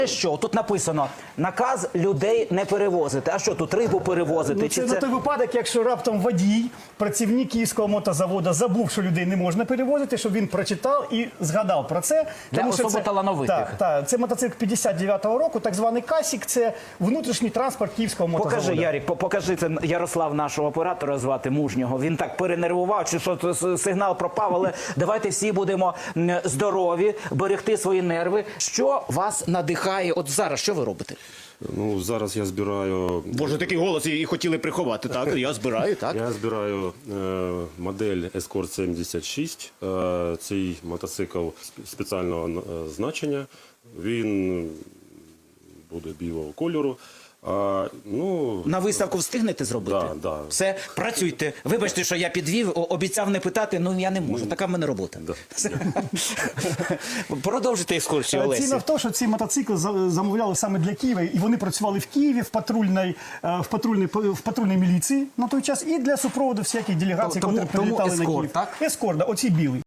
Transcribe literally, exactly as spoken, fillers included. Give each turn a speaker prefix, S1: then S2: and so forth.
S1: Що тут написано? Наказ людей не перевозити. А що тут рибу перевозити?
S2: Ну,
S1: Чи
S2: це
S1: це...
S2: на той випадок, якщо раптом водій, працівник Київського мотозаводу забув, що людей не можна перевозити, щоб він прочитав і згадав про це.
S1: Для
S2: Тому що
S1: особо
S2: це,
S1: талановитих.
S2: Так, так, це мотоцикл п'ятдесят дев'ятого року, так званий Касік, це внутрішній транспорт Київського мотозаводу.
S1: Покажи, Ярік, по- покажи, це Ярослав, нашого оператора звати, мужнього. Він так перенервував, чи що то с- сигнал пропав, але давайте всі будемо м, здорові, берегти свої нерви. Що вас надихає? От зараз, що ви робите?
S3: Ну, зараз я збираю,
S4: Боже, такий голос і хотіли приховати, так? Я збираю, так?
S3: я збираю е, модель Escort сімдесят шість. Е, цей мотоцикл сп- спеціального е, значення. Він буде білого кольору. А, ну,
S1: На виставку встигнете зробити?
S3: Да, да.
S1: Все, працюйте. Вибачте, що я підвів, о- обіцяв не питати, ну я не можу, така в мене робота.
S3: Да.
S1: Продовжуйте екскурсію, Олесі.
S2: Ціна в тому, що ці мотоцикли за- замовляли саме для Києва, і вони працювали в Києві в патрульній, е, в патрульній, в патрульній міліції на той час, і для супроводу всяких делегацій,
S1: Тому-
S2: які
S1: тому
S2: прилітали на
S1: ескорт,
S2: Київ.
S1: так?
S2: Ескорт, да, оці білий.